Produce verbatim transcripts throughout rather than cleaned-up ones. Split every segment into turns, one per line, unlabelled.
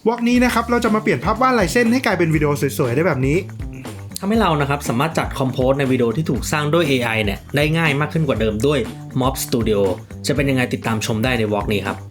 วอล์กนี้นะครับเราจะมาเปลี่ยนภาพวาดลายเส้นให้กลายเป็นวิดีโอสวยๆได้แบบนี้
ทำให้เรานะครับสามารถจัดคอมโพสในวิดีโอที่ถูกสร้างด้วย เอ ไอ เนี่ยได้ง่ายมากขึ้นกว่าเดิมด้วย Mob Studio จะเป็นยังไงติดตามชมได้ในวอล์กนี้ครับ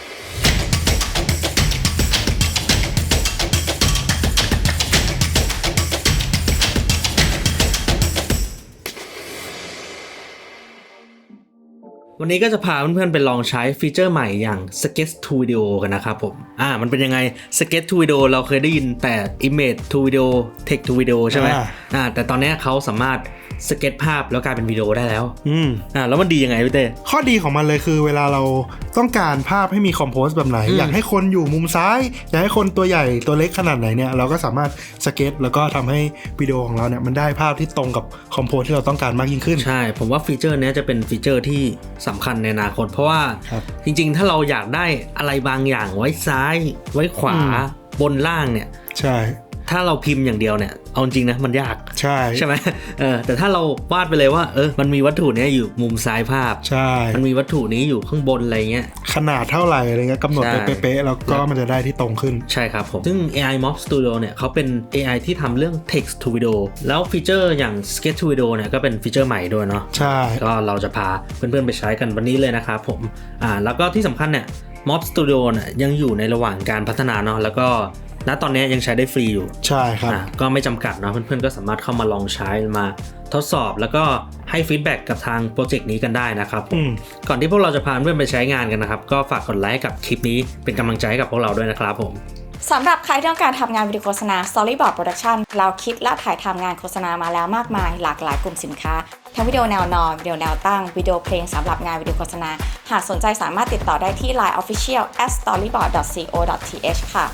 วันนี้ก็จะพาเพื่อนๆไปลองใช้ฟีเจอร์ใหม่อย่าง Sketch to Video กันนะครับผมอ่ามันเป็นยังไง Sketch to Video เราเคยได้ยินแต่ Image to Video Text to Video ใช่ไหมอ่าแต่ตอนนี้เขาสามารถสเก็ตภาพแล้วกลายเป็นวิดีโอได้แล้ว
อืม
อ่าแล้วมันดียังไงพี่เต้
ข้อดีของมันเลยคือเวลาเราต้องการภาพให้มีคอมโพสแบบไหน อ, อยากให้คนอยู่มุมซ้ายอยากให้คนตัวใหญ่ตัวเล็กขนาดไหนเนี่ยเราก็สามารถสเก็ตแล้วก็ทำให้วิดีโอของเราเนี่ยมันได้ภาพที่ตรงกับคอมโพสที่เราต้องการมากยิ่งขึ้น
ใช่ผมว่าฟีเจอร์นี้จะเป็นฟีเจอร์ที่สำคัญในอนาคตเพราะว่าจริงๆถ้าเราอยากได้อะไรบางอย่างไว้ซ้ายไว้ขวาบนล่างเนี่ย
ใช่
ถ้าเราพิมพ์อย่างเดียวเนี่ยเอาจริงนะมันยาก
ใช่
ใช่ไหมเออแต่ถ้าเราวาดไปเลยว่าเออมันมีวัตถุนี้อยู่มุมซ้ายภาพ
ใช่
มันมีวัตถุนี้อยู่ข้างบนอะไรเงี้ย
ขนาดเท่าไหร่อะไรเงี้ยกำหนดไปเป๊ะๆแล้วก็มันจะได้ที่ตรงขึ้น
ใช่ครับผมซึ่ง เอ ไอ Mob Studio เนี่ยเขาเป็น เอ ไอ ที่ทำเรื่อง Text to Video แล้วฟีเจอร์อย่าง Sketch to Video เนี่ยก็เป็นฟีเจอร์ใหม่ด้วยเนาะ
ใช่
ก็เราจะพาเพื่อนๆไปใช้กันวันนี้เลยนะครับผมอ่าแล้วก็ที่สำคัญเนี่ย Mob Studio เนี่ยยังอยู่ในระหว่างการพัฒนาเนาะแล้วก็ณตอนนี้ยังใช้ได้ฟรีอยู่
ใช่ครับ
ก็ไม่จำกัดเนาะเพื่อนๆก็สามารถเข้ามาลองใช้มาทดสอบแล้วก็ให้ฟีดแบ็กกับทางโปรเจกต์นี้กันได้นะครับก่อนที่พวกเราจะพาเพื่อนไปใช้งานกันนะครับก็ฝากกดไลค์กับคลิปนี้เป็นกำลังใจให้กับพวกเราด้วยนะครับผม
สำหรับใครที่ต้องการทำงานวิดีโอโฆษณา Storyboard Production เราคิดและถ่ายทำงานโฆษณามาแล้วมากมายหลากหลายกลุ่มสินค้าทั้งวิดีโอแนวนอนวิดีโอแนวตั้งวิดีโอเพลงสำหรับงานวิดีโอโฆษณาหากสนใจสามารถติดต่อได้ที่ ไลน์ Official แอท สตอรี่บอร์ด ดอท ซี โอ ดอท ที เอช ค่ะ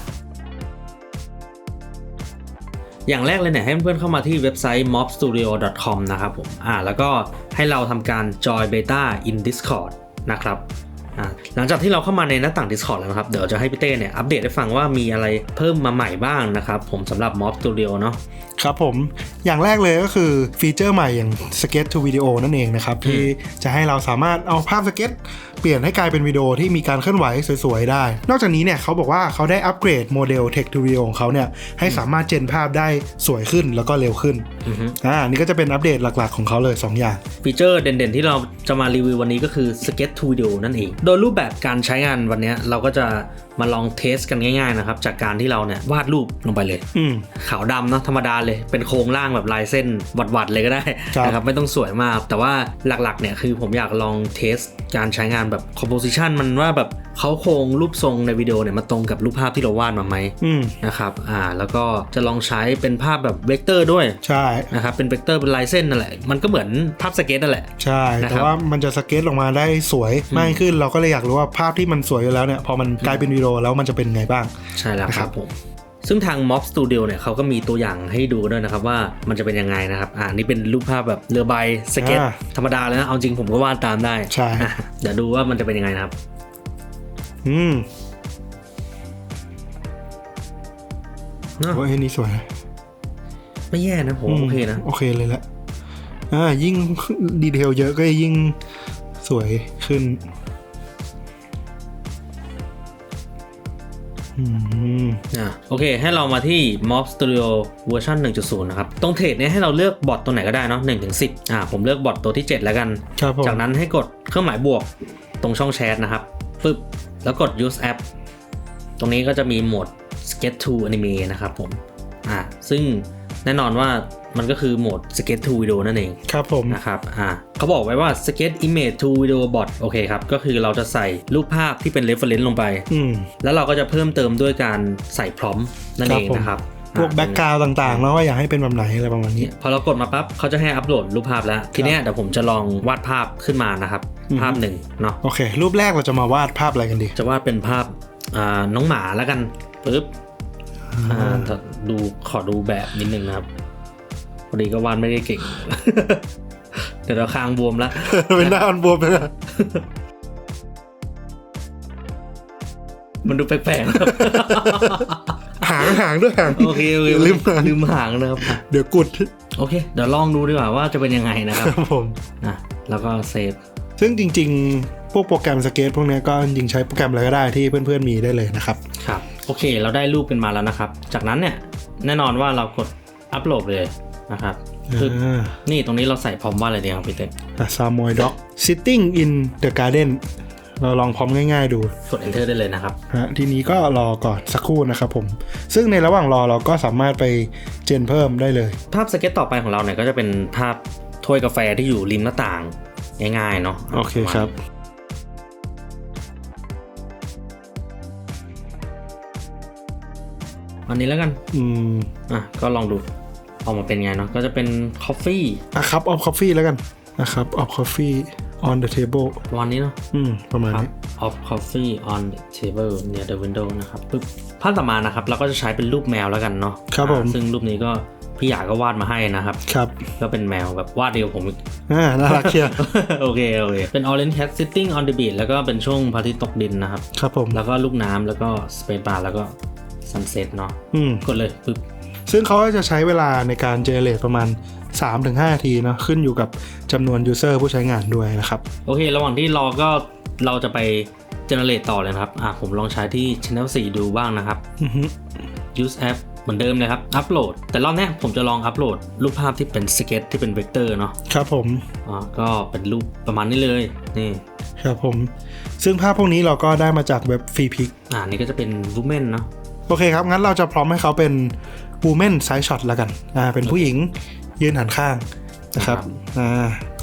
อย่างแรกเลยเนี่ยให้เพื่อนๆเข้ามาที่เว็บไซต์ ม็อบสตูดิโอ ดอท คอม นะครับผมอ่าแล้วก็ให้เราทำการ join beta in Discord นะครับอ่าหลังจากที่เราเข้ามาในหน้าต่าง Discord แล้วนะครับเดี๋ยวจะให้พี่เต้เนี่ยอัปเดตให้ฟังว่ามีอะไรเพิ่มมาใหม่บ้างนะครับผมสำหรับ Mob Studio เนาะ
ครับผมอย่างแรกเลยก็คือฟีเจอร์ใหม่อย่าง Sketch to Video นั่นเองนะครับที่จะให้เราสามารถเอาภาพสเก็ตเปลี่ยนให้กลายเป็นวิดีโอที่มีการเคลื่อนไหวสวยๆได้นอกจากนี้เนี่ยเขาบอกว่าเขาได้อัปเกรดโมเดล Text to Video ของเขาเนี่ยให้สามารถเจนภาพได้สวยขึ้นแล้วก็เร็วขึ้นอ่านี่ก็จะเป็นอัปเดตหลักๆของเขาเลยสองอย่าง
ฟีเจอร์เด่นๆที่เราจะมารีวิววันนี้ก็คือ Sketch to Video นั่นเองโดยรูปแบบการใช้งานวันนี้เราก็จะมาลองเทสกันง่ายๆนะครับจากการที่เราเนี่ยวาดรูปลงไปเลยขาวดำเนาะธรรมดาเลยเป็นโครงร่างแบบลายเส้นวัดๆเลยก็ได้นะครับไม่ต้องสวยมากแต่ว่าหลักๆเนี่ยคือผมอยากลองเทสการใช้งานแบบ composition มันว่าแบบเขาโครงรูปทรงในวิดีโอเนี่ยมาตรงกับรูปภาพที่เราวาดมาไหมนะครับอ่าแล้วก็จะลองใช้เป็นภาพแบบเวกเตอร์ด้วย
ใช่
นะครับเป็นเวกเตอร์เป็นลายเส้นนั่นแหละมันก็เหมือนภาพสเก็ตนั่นแหละ
ใช่แต่ว่ามันจะสเก็ตออกมาได้สวยมากขึ้นเราก็เลยอยากรู้ว่าภาพที่มันสวยอยู่แล้วเนี่ยพอมันกลายเป็นวิดีโอแล้วมันจะเป็นไงบ้าง
ใช่แล้วครับผมซึ่งทาง Mob Studio เนี่ยเขาก็มีตัวอย่างให้ดูด้วยนะครับว่ามันจะเป็นยังไงนะครับอ่านี่เป็นรูปภาพแบบเรือใบสเก็ตธรรมดาเลยนะเอาจริงผมก็วาดตามได้
ใช่
เดี๋ยวดูว่ามันจะเป็นยังไงนะครับ
อืมโอ้ยนี่สวย
ไม่แย่นะผมโอเคนะ
โอเคเลยแหละอ่ายิ่งดีเทลเยอะก็ยิ่งสวยขึ้น
อ่าโอเคให้เรามาที่ Mob Studio เวอร์ชัน หนึ่งจุดศูนย์ นะครับตรงเทรดเนี่ยให้เราเลือกบอทตัวไหนก็ได้เนาะหนึ่งถึงสิบอ่าผมเลือกบอทตัวที่เจ็ดแล้วกันจากนั้นให้กดเครื่องหมายบวกตรงช่องแชทนะครับปึ๊บแล้วกด use app ตรงนี้ก็จะมีโหมด sketch to anime นะครับผมอ่าซึ่งแน่นอนว่ามันก็คือโหมด Sketch to Video นั่นเอง
ครับผม
นะครับอ่าเขาบอกไว้ว่า Sketch Image to Video Bot โอเคครับก็คือเราจะใส่รูปภาพที่เป็น reference ลงไปแล้วเราก็จะเพิ่มเติมด้วยการใส่พร้อมนั่นเองนะครับ
พวกแบ็กกราวด์ต่างๆแล้วว่าอยากให้เป็นแบบไหนอะไรประมาณนี้
พอเรากดมาปั๊บเขาจะให้อัปโหลดรูปภาพแล้วทีนี้เดี๋ยวผมจะลองวาดภาพขึ้นมานะครับภาพหนึ่งเนาะ
โอเครูปแรกเราจะมาวาดภาพอะไรกันดี
จะวาดเป็นภาพอ่าน้องหมาแล้วกันปึ๊บอ่าดูขอดูแบบนิดนึงนะครับพอดีก็วาดไม่ได้เก่ง เดี๋ยวเราคางบวมแล้ว
เป็นหน้าอันบวมเลย
มันดูแปลก
ๆหางหางด้วยหาง
โอเคโอเคลืมลืมหางนะครับ
เดี๋ยวกุด
โอเคเดี๋ยวลองดูดีกว่าว่าจะเป็นยังไงนะครับ
ผม
นะแล้วก็เซฟ
ซึ่งจริงๆพวกโปรแกรมสเก็ตพวกนี้ก็จริงใช้โปรแกรมอะไรก็ได้ที่เพื่อนๆมีได้เลยนะครับ
ครับโอเคเราได้รูปกันมาแล้วนะครับจากนั้นเนี่ยแน่นอนว่าเรากดอัปโหลดเลยนะครับคือนี่ตรงนี้เราใส่พร้อมว่าอะไรดีครับพี่เต้
ซามอยด็อก sitting in the garden เราลองพร้อมง่ายๆดู
กด enter ได้เลยนะครับ
ฮะทีนี้ก็รอก่อนสักครู่นะครับผมซึ่งในระหว่างรอเราก็สามารถไปเจนเพิ่มได้เลย
ภาพสเก็ตต่อไปของเราเนี่ยก็จะเป็นภาพถ้วยกาแฟที่อยู่ริมหน้าต่างง่ายๆเนาะ
โอเคครับ
อันนี้แล้วกัน
อืม
อ่ะก็ลองดูออกมาเป็นไงเนาะก็จะเป็น coffee
อ่ะครับ of coffee แล้วกันนะครับ of coffee on the table
วันนี้เนาะ
อืมประมาณนี้
of coffee on the table near the window นะครับปึ๊บภาพต่อมานะครับเราก็จะใช้เป็นรูปแมวแล้วกันเนาะ
ครับผม
ซึ่งรูปนี้ก็พี่หยาก็วาดมาให้นะครับ
ครับ
ก็เป็นแมวแบบวาดเดียวผมอีก
อ่าน่ารักเชียว
โอเคโอเคเป็น orange cat sitting on the beach แล้วก็เป็นช่วงพระอาทิตย์ตกดินนะครับ
ครับผม
แล้วก็ลูกน้ำแล้วก็ space bar แล้วก็ sunset เนาะกดเลยปึ๊บ
ซึ่งเขาจะใช้เวลาในการ generate ประมาณ สามถึงห้า นาทีเนาะขึ้นอยู่กับจำนวน user ผู้ใช้งานด้วยนะครับ
โอเคระหว่างที่รอก็เราจะไป generate ต่อเลยครับอ่ะผมลองใช้ที่ channel สี่ดูบ้างนะครับ use app เหมือนเดิมเลยครับอัปโหลดแต่รอบนี้ผมจะลองอัปโหลดรูปภาพที่เป็นสเก็ตที่เป็นเวกเตอร์เนาะ
ครับผม
อ๋อก็เป็นรูปประมาณนี้เลยนี่
ครับผมซึ่งภาพพวกนี้เราก็ได้มาจากเว็บ Freepik
อ่านี่ก็จะเป็น woman เนาะ
โอเคครับงั้นเราจะพร้อมให้เขาเป็น woman side shot แล้วกันอ่าเป็นผู้หญิงยืนหันข้างนะครับอ่า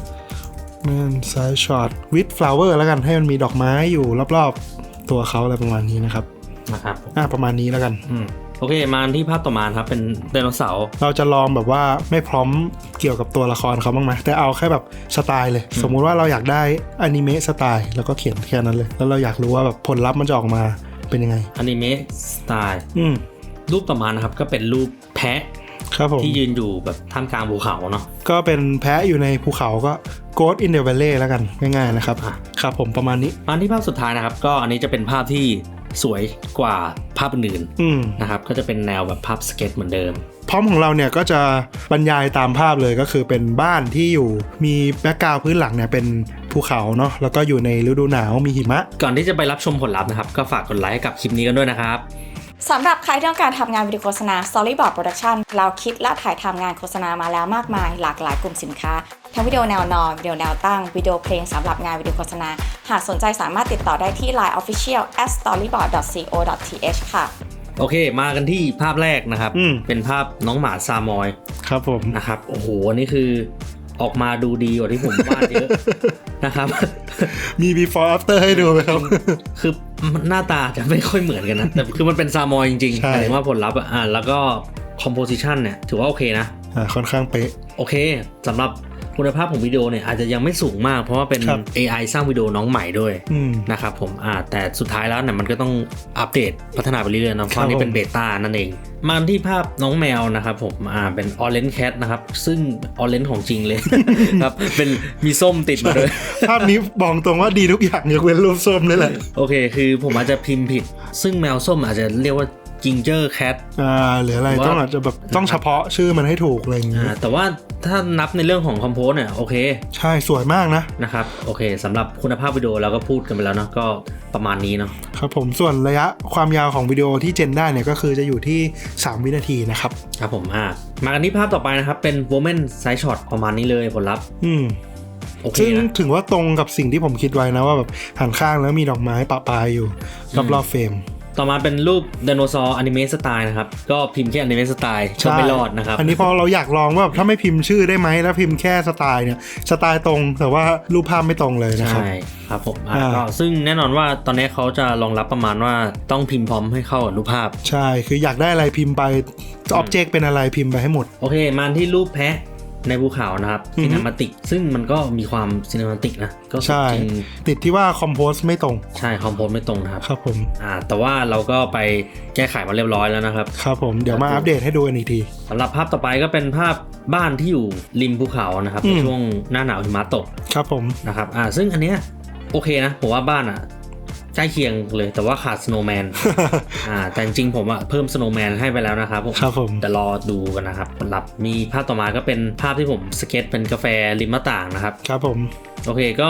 woman side shot with flower แล้วกันให้มันมีดอกไม้อยู่รอบๆตัวเขาอะไรประมาณนี้นะครับ
นะครับ
อ่าประมาณนี้แล้วกัน
อืมโอเคมาที่ภาพต่อมาครับเป็นไดโนเสาร์
เราจะลองแบบว่าไม่พร้อมเกี่ยวกับตัวละครเขาบ้างไหมแต่เอาแค่แบบสไตล์เลยสมมุติว่าเราอยากได้อนิเมะสไตล์แล้วก็เขียนแค่นั้นเลยแล้วเราอยากรู้ว่าแบบผลลัพธ์มันจะออกมาเป็นยังไง
อนิเมะสไตล์
อืม
รูปต่อมานะครับก็เป็นรูปแพะ
ครับผม
ที่ยืนอยู่แบบท่ามกลางภูเขาเนาะ
ก็เป็นแพะอยู่ในภูเขาก็ Ghost in the Valley แล้วกันง่ายๆนะครับครับผมประมาณนี้
มาที่ภาพสุดท้ายนะครับก็อันนี้จะเป็นภาพที่สวยกว่าภาพอื่นๆนะครับก็จะเป็นแนวแบบภาพสเก็ตเหมือนเดิม
พร้อมของเราเนี่ยก็จะบรรยายตามภาพเลยก็คือเป็นบ้านที่อยู่มีแบ็คกราวด์พื้นหลังเนี่ยเป็นภูเขาเนาะแล้วก็อยู่ในฤดูหนาวมีหิมะ
ก่อนที่จะไปรับชมผลลัพธ์นะครับก็ฝากกดไลค์ให้กับคลิปนี้กันด้วยนะครับ
สำหรับใครที่ต้องการทำงานวิดีโฆษณา Storyboard Production เราคิดและถ่ายทำงานโฆษณามาแล้วมากมายหลากหลายกลุ่มสินค้าทั้งวิดีโอแนวนอนวิดีโอแนวตั้งวิดีโอเพลงสำหรับงานวิดีโฆษณาหากสนใจสามารถติดต่อได้ที่ ไลน์ Official แอท สตอรี่บอร์ด ดอท ซี โอ ดอท ที เอช ค่ะ
โอเคมากันที่ภาพแรกนะครับเป็นภาพน้องหมาซามอย
ครับผม
นะครับโอ้โหนี่คือออกมาดูดีกว่าที่ผมวาดเยอะนะครับ
มี before after ให้ดูไหมครับ
คือหน้าตาจะไม่ค่อยเหมือนกันนะแต่คือมันเป็นซามอยจริงๆหมายถึงว่าผลลัพธ์อ่ะแล้วก็ composition เนี่ยถือว่าโอเคนะ
อ่าค่อนข้างเป๊ะ
โอเคสำหรับคุณภาพของวิดีโอเนี่ยอาจจะยังไม่สูงมากเพราะว่าเป็น เอ ไอ สร้างวิดีโอน้องใหม่ด้วยนะครับผมอ่าแต่สุดท้ายแล้วเนี่ยมันก็ต้องอัปเดตพัฒนาไปเรื่อยๆนะเพราะนี่เป็นเบต้านั่นเองมาที่ภาพน้องแมวนะครับผมอ่าเป็น Orange Cat นะครับซึ่ง Orange ของจริงเลยครับเป็นมีส้มติดมาด้วย
ภาพนี้บอกตรงว่าดีทุกอย่างยกเว้นรูปส้มนี่แหละ
โอเคคือผมอาจจะพิมพ์ผิดซึ่งแมวส้มอาจจะเรียกว่าGinger Cat
อ่าหรืออะไรต้องอาจจะแบบต้องเฉพาะชื่อมันให้ถูกอะไรอย่างเงี้ย
แต่ว่าถ้านับในเรื่องของคอมโพสเนี่ยโอเค
ใช่สวยมากนะ
นะครับโอเคสำหรับคุณภาพวิดีโอเราก็พูดกันไปแล้วเนาะก็ประมาณนี้เนาะ
ครับผมส่วนระยะความยาวของวิดีโอที่เจนได้เนี่ยก็คือจะอยู่ที่สามวินาทีนะครับ
ครับผมอ่ามากันที่ภาพต่อไปนะครับเป็น Woman Side Shot ประมาณนี้เลยผลลัพธ์
อืมโอเคซึ่งถึงว่าตรงกับสิ่งที่ผมคิดไว้นะว่าแบบหันข้างแล้วมีดอกไม้ปะปายอยู่รอบๆเฟรม
ต่อมาเป็นรูปไดโนเสาร์อนิเมะสไตล์นะครับก็พิมพ์แค่อนิเมะสไตล์ก็ไม่รอดนะครับ
อันนี้พอเราอยากลองว่าถ้าไม่พิมพ์ชื่อได้ไหมแล้วพิมพ์แค่สไตล์เนี่ยสไตล์ตรงแต่ว่ารูปภาพไม่ตรงเลยนะครับ
ใช่ครับผมก็ซึ่งแน่นอนว่าตอนนี้เขาจะรองรับประมาณว่าต้องพิมพ์พร้อมให้เข้ากับรูปภาพ
ใช่คืออยากได้อะไรพิมพ์ไปอ็อบเจกต์เป็นอะไรพิมพ์ไปให้หมด
โอเคมาที่รูปแพะในภูเขานะครับซีนิมาติกซึ่งมันก็มีความซีนิมาติกนะก็
ใช่ติดที่ว่าคอมโพสไม่ตรง
ใช่คอมโพสไม่ตรงนะครับ
ครับผม
อ่าแต่ว่าเราก็ไปแก้ไขมาเรียบร้อยแล้วนะครับ
ครับผมเดี๋ยวมาอัปเดตให้ดูกันอีกที
สำหรับภาพต่อไปก็เป็นภาพบ้านที่อยู่ริมภูเขานะครับในช่วงหน้าหนาวหิมะตก
ครับผม
นะครับอ่าซึ่งอันเนี้ยโอเคนะผมว่าบ้านอ่ะใกล้เคียงเลยแต่ว่าขาดสโนว์แมน อ่าแต่จริงๆผมอะเพิ่มสโนว์แมนให้ไปแล้วนะครับผม
ครับผม
แต่รอดูกันนะครับผลลัพธ์มีภาพต่อมาก็เป็นภาพที่ผมสเก็ตเป็นกาแฟริมหน้าต่างนะครับ
ครับผม
โอเคก็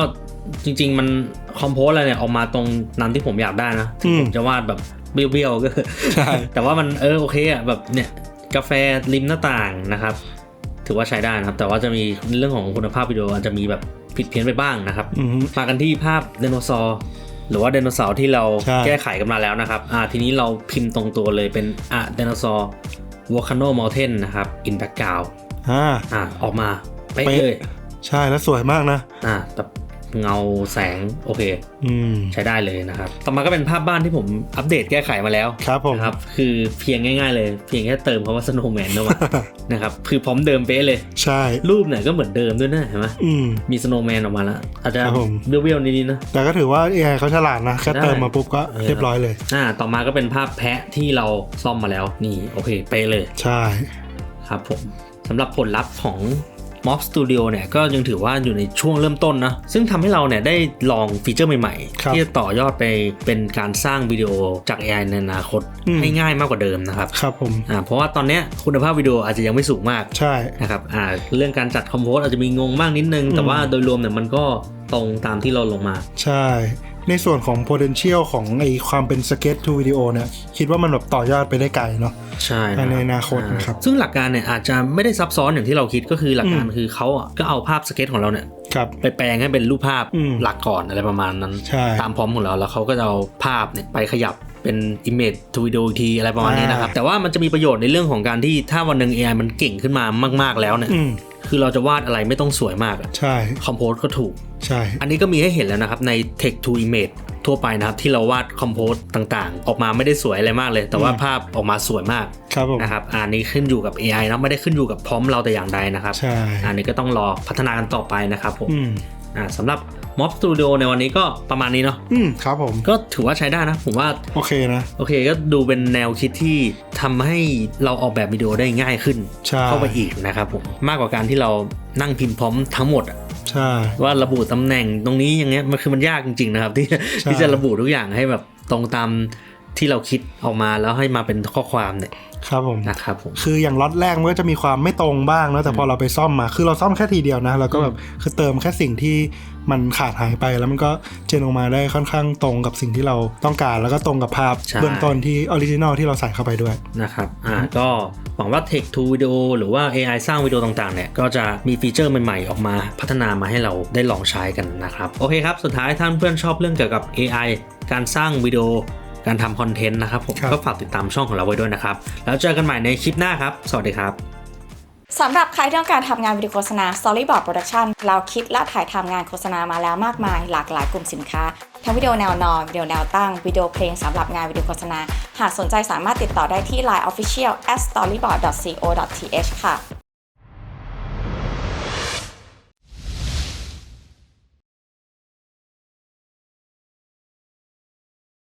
จริงๆมันคอมโพสอะไรเนี่ยออกมาตรงนั้นที่ผมอยากได้นะที่ผมจะวาดแบบเบี้ยวๆก็ใช่ แต่ว่ามันเออโอเคอ่ะแบบเนี่ยกาแฟริมหน้าต่างนะครับถือว่าใช้ได้นะครับแต่ว่าจะมีเรื่องของคุณภาพวิดีโออาจจะมีแบบผิดเพี้ยนไปบ้างนะครับมากันที่ภาพไดโนเสาร์หรือว่าไดโนเสาร์ที่เราแก้ไขกันมาแล้วนะครับอ่าทีนี้เราพิมพ์ตรงตัวเลยเป็นอ่ะไดโนเสาร์วอลคาโนมอลเทนนะครับอินแบ็กกราวด์อ่าอ่าออกมาไปเลย
ใช่แล้วสวยมากนะ
อ่าแต่เงาแสงโอเคอืมใช้ได้เลยนะครับต่อมาก็เป็นภาพบ้านที่ผมอัปเดตแก้ไขมาแล้ว
ครับผม
ครับคือเพียงง่ายๆเลยเพียงแค่เติมคำว่า snowman เข้ามา นะครับคือพร้อมเดิมเป๊ะเลย
ใช่
รูปเนี่ยก็เหมือนเดิมด้วยนะเห็นไหมมี snowman ออกมาแล้วอาจจะเบี้ยวๆนิดๆนะ
แต่ก็ถือว่า เอ ไอ เขาฉลาดนะแค่เติมมาปุ๊บก็เรียบร้อยเลย
อ่าต่อมาก็เป็นภาพแพะที่เราซ่อมมาแล้วนี่โอเคเป๊ะเลย
ใช่
ครับผมสำหรับผลลัพธ์ของ Mob Studio เนี่ยก็ยังถือว่าอยู่ในช่วงเริ่มต้นนะซึ่งทำให้เราเนี่ยได้ลองฟีเจอร์ใหม่ๆที่จะต่อยอดไปเป็นการสร้างวิดีโอจาก เอ ไอ ในอนาคตให้ง่ายมากกว่าเดิมนะครับ
ครับผม
อ่าเพราะว่าตอนนี้คุณภาพวิดีโออาจจะยังไม่สูงมาก
ใช่
นะครับอ่าเรื่องการจัดคอมโพสอาจจะมีงงบ้างนิดนึงแต่ว่าโดยรวมเนี่ยมันก็ตรงตามที่เราลงมา
ใช่ในส่วนของ potential ของไอความเป็น sketch to video เนี่ยคิดว่ามันแบบต่อยอดไปได้ไกลเนาะ
ใช่
ในอนาคตนะครับ
ซึ่งหลักการเนี่ยอาจจะไม่ได้ซับซ้อนอย่างที่เราคิดก็คือหลักการคือเขาอ่ะก็เอาภาพสเก็ตของเราเนี่ยไปแปลงให้เป็นรูปภาพหลักก่อนอะไรประมาณนั้นตามพร้อมของเราแล้วเขาก็จะเอาภาพเนี่ยไปขยับเป็น image to video อีกทีอะไรประมาณนี้นะครับแต่ว่ามันจะมีประโยชน์ในเรื่องของการที่ถ้าวันหนึ่ง เอ ไอ มันเก่งขึ้นมามากๆแล้วเนี่ยคือเราจะวาดอะไรไม่ต้องสวยมาก
ใช่
คอมโพสก็ถูก
ใช่
อันนี้ก็มีให้เห็นแล้วนะครับใน text to image ทั่วไปนะครับที่เราวาดคอมโพสต่างๆออกมาไม่ได้สวยอะไรมากเลยแต่ว่าภาพออกมาสวยมากนะครับอันนี้ขึ้นอยู่กับ เอ ไอ นะไม่ได้ขึ้นอยู่กับพร้อมเราแต่อย่างใดนะครับ
ใช่
อันนี้ก็ต้องรอพัฒนากันต่อไปนะครับผมอ่าสำหรับ Mob Studio ในวันนี้ก็ประมาณนี้เนาะ
อืมครับผม
ก็ถือว่าใช้ได้นะผมว่า
โอเคนะ
โอเคก็ดูเป็นแนวคิดที่ทำให้เราออกแบบวิดีโอได้ง่ายขึ้นเข้าไปอีกนะครับผมมากกว่าการที่เรานั่งพิมพ์พร้อมทั้งหมดอ่ะ
ใช่
ว่าระบุตำแหน่งตรงนี้อย่างเงี้ยมันคือมันยากจริงๆนะครับที่ที่จะระบุทุกอย่างให้แบบตรงตามที่เราคิดออกมาแล้วให้มาเป็นข้อความเนี่ย
ครับผม
นะครับผม
คืออย่างล็อตแรกมันก็จะมีความไม่ตรงบ้างนะแต่พอเราไปซ่อมมาคือเราซ่อมแค่ทีเดียวนะเราก็แบบคือเติมแค่สิ่งที่มันขาดหายไปแล้วมันก็เจนออกมาได้ค่อนข้างตรงกับสิ่งที่เราต้องการแล้วก็ตรงกับภาพเบื้องต้นที่ออริจินอลที่เราใส่เข้าไปด้วย
นะครับอ่าก็หวังว่า Text to Video หรือว่า เอ ไอ สร้างวิดีโอต่างๆเนี่ยก็จะมีฟีเจอร์ใหม่ๆออกมาพัฒนามาให้เราได้ลองใช้กันนะครับโอเคครับสุดท้ายท่านเพื่อนชอบเรื่องเกี่ยวกับ เอ ไอ การสร้างวิดีโอการทำคอนเทนต์นะครับผมก็ฝากติดตามช่องของเราไว้ด้วยนะครับแล้วเจอกันใหม่ในคลิปหน้าครับสวัสดีครับ
สำหรับใครที่ต้องการทำงานวิดีโฆษณา Storyboard Production เราคิดและถ่ายทำงานโฆษณามาแล้วมากมายหลากหลายกลุ่มสินค้าทั้งวิดีโอแนวนอนวิดีโอแนวตั้งวิดีโอเพลงสำหรับงานวิดีโฆษณาหากสนใจสามารถติดต่อได้ที่ ไลน์ Official แอท สตอรี่บอร์ด ดอท ซี โอ ดอท ที เอช ค่ะ